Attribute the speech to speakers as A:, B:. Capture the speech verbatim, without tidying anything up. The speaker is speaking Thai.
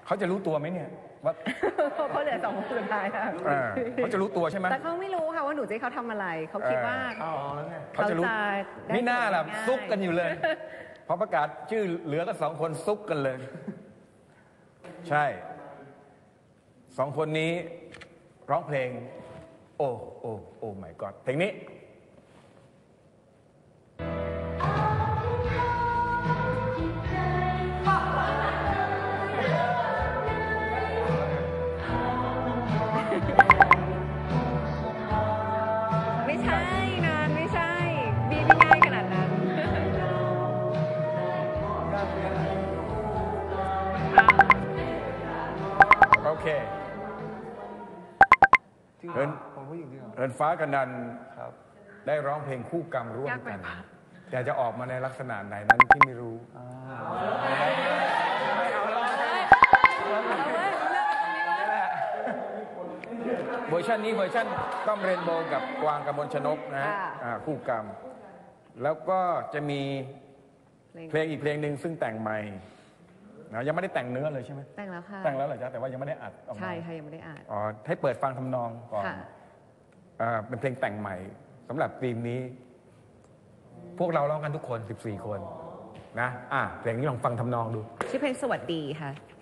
A: เขาจะรู้ตัวไหมเนี่ยว่า
B: เขาเหลือสองคนสุดท้ายค่ะ
A: เออเขาจะรู้ตัวใช่ไหม
B: แต่เขาไม่รู้ค่ะว่าหนูจะให้เขาทำอะไรเขาคิดว่า
C: อ๋อแล้วไง
A: เขาจะรู้
B: ได้
A: ไม่น่าล่ะ
B: ง่าย
A: ซุกกันอยู่เลย พอประกาศชื่อเหลือก็สองคนซุกกันเลย ใช่สองคนนี้ร้องเพลง โอ้โอ้โอ้ my god เพลงนี้
B: ไม่ใช่นานไม่ใช่บีไม่ง่ายขนาดนั้น
A: โอเค
C: จริงเหร
A: เอิ
C: อ
A: ญ
C: ผมผู้หญิงจริงเหรอ
A: เอิญฟ้ากับนัน
C: ครับ
A: ได้ร้องเพลงคู่กรรมร่วม
B: ยากไป
A: กัน
B: ปะ
A: แต่จะออกมาในลักษณะไหนนั้นที่ไม่รู้ เวอร์ชันนี้เวอร์ชันต้อมเรนโบว์กับกวางกมลชนกนะฮะ
B: ค่ะ
A: อ่าคู่กรรม แล้วก็จะมีเพลงอีกเพลงหนึ่งซึ่งแต่งใหม่นะยังไม่ได้แต่งเนื้อเลยใช่ไหม
B: แต่งแล้วค่ะ
A: แต่งแล้วเหรอจ๊ะแต่ว่ายังไม่ได้อัดออกมา
B: ใช่ค่ะยังไม่ได้อ่าน
A: อ๋อให้เปิดฟังทำนองก่อน
B: ค่ะ
A: อ่าเป็นเพลงแต่งใหม่สำหรับธีมนี้ พวกเราร้องกันทุกคนสิบสี่คนนะอ่ะเพลงนี้ลองฟังทำนองดู
B: ชื่อเพลงสวัสดีค่ะ